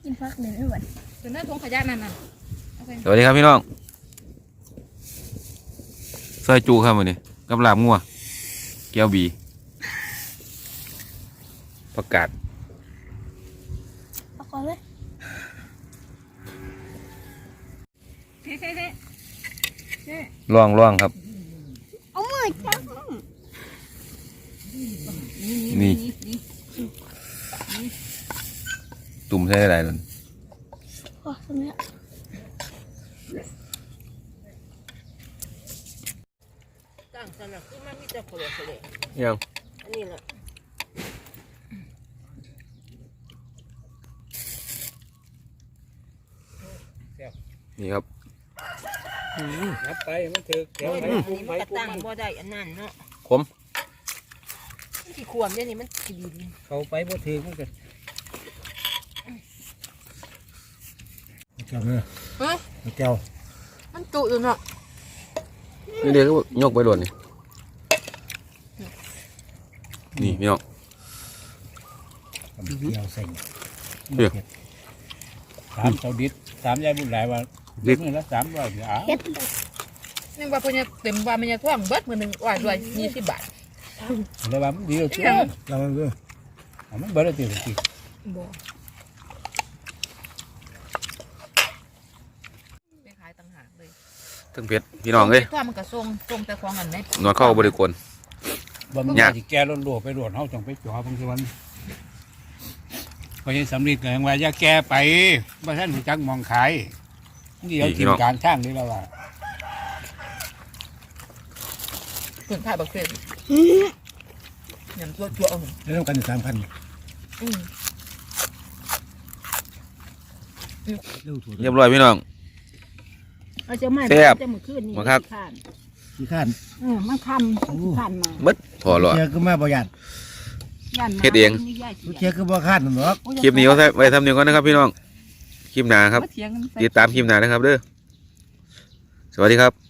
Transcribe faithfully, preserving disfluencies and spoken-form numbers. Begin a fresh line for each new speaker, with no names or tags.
กินฟักเดินไม่ไหวถึงหน้าทงขยะนั่นน่ะ
สวัสดีครับพี่น้องซอยจูครับวันนี้กับลาบงัวแก้วบีประกาศ
เอาก่อนเลย
ล่องล่องครับ
เอามือจับ
นี่ตุ่มใช่อะไรนั่น
โอ้ตรงนี้
ตั้งสนับขึ้นมามีแต่โคเลโคเล
ยัง
อันนี้แหละ
นี่ครับ
นับไปมันถือแถว
อัน
ไป
นี้
ปุ้งไป
มันก็
ปุ้ง
ตั้ง
มัน
บ่ได้อันนั้นเนาะ
ขม
ที่ขวมเนี่ยนี่มันขีดิน
เขาไปบ่ถือมันก็เจ้าเนี่ย
เฮ้ย
เจ้า
มันจุอยู่เนาะ
นี่เดี๋ยวก็ยกไปหล่นนี่นี่พี่น้อง
เจ้าใส่สามเสาดิษสามยายบุญหลายว่าเมื่อละสามร้อยเดี๋ยวอ้าว
นี่ว่าเพิ่นจะเต็มว่ามันจะท่วมเบิดมื้อนึงว่าด้วยยี่สิบบาท
แล้วว่ามันดีแล้วเจ้าเราเออมันเบิดแล้วตีตี
บ่ไปขายต่างหากเลย
ทั้งเพชรพี่น้องเอ้ย
ท่วมมันก็ส่งส่งแต่ของอันไหน
นวดเข้าบริกร
บ่มันจะแก่รถหลวไปรวดเฮาจังไปจ่อบางทีวันพอยังสำลีก็ยังว่าอย่าแก่ไปบ่ท่านรู้จักมองขายเดี๋ยวกินการช่างนี่แล้วว่า
เพิ่นขายบักเฟรยำตัวจั่วเอา
แล้วต้องกันสามพัน
อืม
เรียบร้อยพี่น้อง
เอาเจ้าไม้
แซ่บ
จะมือขึ้นนี่
มาครับ
ข้าน
ขี้ข้าน
เออมันคำมันขันมา
มัดพอหรอ
เจ้าก็มาบ่ยัน
ยันมา
เฮ็ดเอง
มีย่าสิ
เจ้าก็บ่ข้านหรอก
คลิปนี้เอาไว้ทำเนียงก่อนนะครับพี่น้องคลิปหน้าครับ
มาเถียงกันไป
ติดตามคลิปหน้านะครับเด้อสวัสดีครับ